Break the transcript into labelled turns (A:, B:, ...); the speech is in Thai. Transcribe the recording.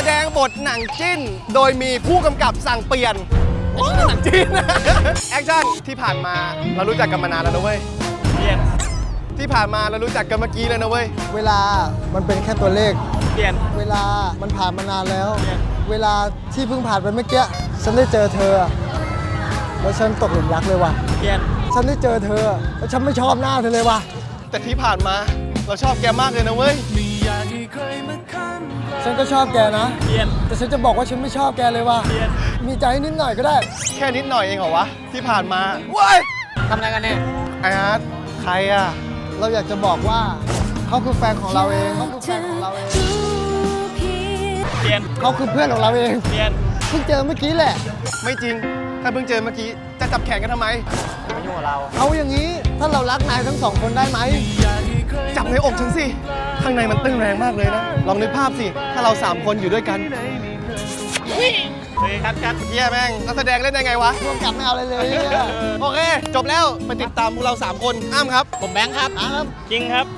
A: ดงบทหนังจิ้น โดยมีผู้กำกับสั่งเปลี่ยนหนังจิ้น แอคชั่นที่ผ่านมาเรารู้จักกันมานานแล้วนะเว้ยเปลี่ยนที่ผ่านมาเรารู้จักกันเมื่อกี้เลยนะเว้ย
B: เวลามันเป็นแค่ตัวเลข
A: เปลี่ยน
B: เวลามันผ่านมานานแล้ว เวลาที่เพิ่งผ่านไปเมื่อกี้ฉันได้เจอเธอแล้วฉันตกหลุมรักเลยว่ะ
A: เปลี่ยน
B: ฉันได้เจอเธอแล้วฉันไม่ชอบหน้าเธอเลยว่ะ
A: แต่ที่ผ่านมาเราชอบแกมากเลยนะเว้ย
B: ฉันก็ชอบแกนะ
A: เปลี่ยน
B: แต่ฉันจะบอกว่าฉันไม่ชอบแกเลยว่ะ มีใจนิดหน่อยก็ได้
A: แค่นิดหน่อยเองเหรอวะที่ผ่านมาเว้ย
C: ทำอะไรกันเนี่ย
A: ไอ้อาร์ตใครอ่ะ
B: เราอยากจะบอกว่าเขาคือแฟนของเราเองเขาคือแฟนของเราเอง
A: เปลี่ยน
B: เขาคือเพื่อนของเราเอง
A: เปลี่ยน
B: เพิ่งเจอเมื่อกี้แหละ
A: ไม่จริง ถ้าเพิ่งเจอเมื่อกี้จะจับแขนกันทำไม
C: มายุ่งกับเรา
B: เอาอย่างนี้ถ้าเรารักนายทั้งสองคนได้ไหม
A: จับในอกฉันสิ ข้างในมันตึงแรงมากเลยนะ ลองนึกภาพสิ ถ้าเรา3คนอยู่ด้วยกันเฮ้ยคัดเฮียแม่งนักแสดงเล่นได้ไงวะ
B: ร่วมกับไม่เอาอะไรเลยเนี่ย
A: โอเค จบแล้ว ไปติดตามพวกเรา3คนอ้ามครับ
C: ผมแบงค์ครับ
B: ครับ
A: จริงครับ